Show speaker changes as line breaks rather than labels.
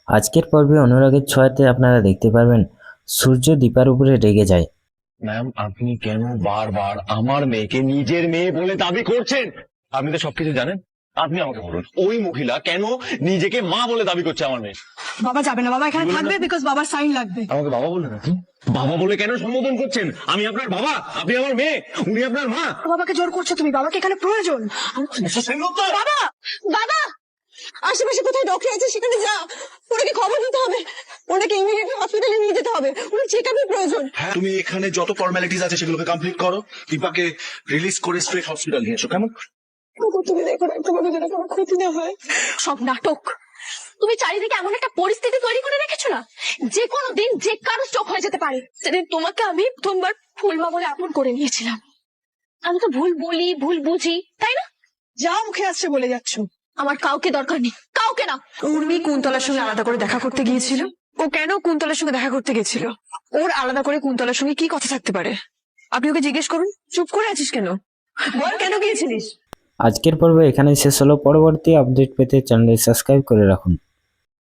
আজকের পর্বে অনুরাগের ছোঁয়াতে আপনারা দেখতে পারবেন সূর্য দীপার উপরে রেগে যায়।
ম্যাম, আপনি কেন বারবার আমার মেয়েকে নিজের মেয়ে বলে দাবি করছেন? আপনি তো সবকিছু জানেন। আপনি আমাকে বলুন, ওই মহিলা কেন নিজেকে মা বলে দাবি করছে আমার মেয়ে?
বাবা যাবে না, বাবা এখানে থাকবে বিকজ বাবার সাইন লাগবে।
আমাকে বাবা বললেন আপনি? বাবা বলে কেন সম্বোধন করছেন? আমি আপনার বাবা, আপনি আমার মেয়ে, উনি আপনার মা।
বাবাকে জোর করছো তুমি, বাবাকে এখানে প্রয়োজন। বাবা, বাবা আশেপাশে কোথায় ডক্টর আছে সেখানে যা, ওনাকে খবর দিতে হবে, ওনাকে ইমিডিয়েটলি হসপিটালে নিয়ে যেতে হবে, ওনার চেকআপের প্রয়োজন।
হ্যাঁ, তুমি এখানে যত ফর্মালিটিস আছে সেগুলোকে কমপ্লিট করো, দীপাকে রিলিজ করে স্ট্রেট হসপিটাল নিয়ে এসো, কেমন?
তুমি দেখো না তোমাকে যেন কোনো ক্ষতি না হয়।
সব নাটক। তুমি চারিদিকে এমন একটা পরিস্থিতি তৈরি করে রেখেছো না, যে কোনো দিন যে কারো চোখ হয়ে যেতে পারে। সেদিন তোমাকে আমি প্রথমবার ফুলমা বলে আপন করে নিয়েছিলাম। আমি তো ভুল বলি, ভুল বুঝি, তাই না?
যা মুখে আসছে বলে যাচ্ছ।
আমার কাউকে দরকার নেই, কাউকে না।
উর্মি কুন্তলার সঙ্গে আলাদা করে দেখা করতে গিয়েছিল। ও কেন কুন্তলার সঙ্গে দেখা করতে গেছিল? ওর আলাদা করে কুন্তলার সঙ্গে কি কথা থাকতে পারে? আপনি ওকে জিজ্ঞেস করুন। চুপ করে আছিস কেন? বল কেন গিয়েছিলিস?
আজকের পর্ব এখানেই শেষ হলো। পরবর্তী আপডেট পেতে চ্যানেলটি সাবস্ক্রাইব করে রাখুন।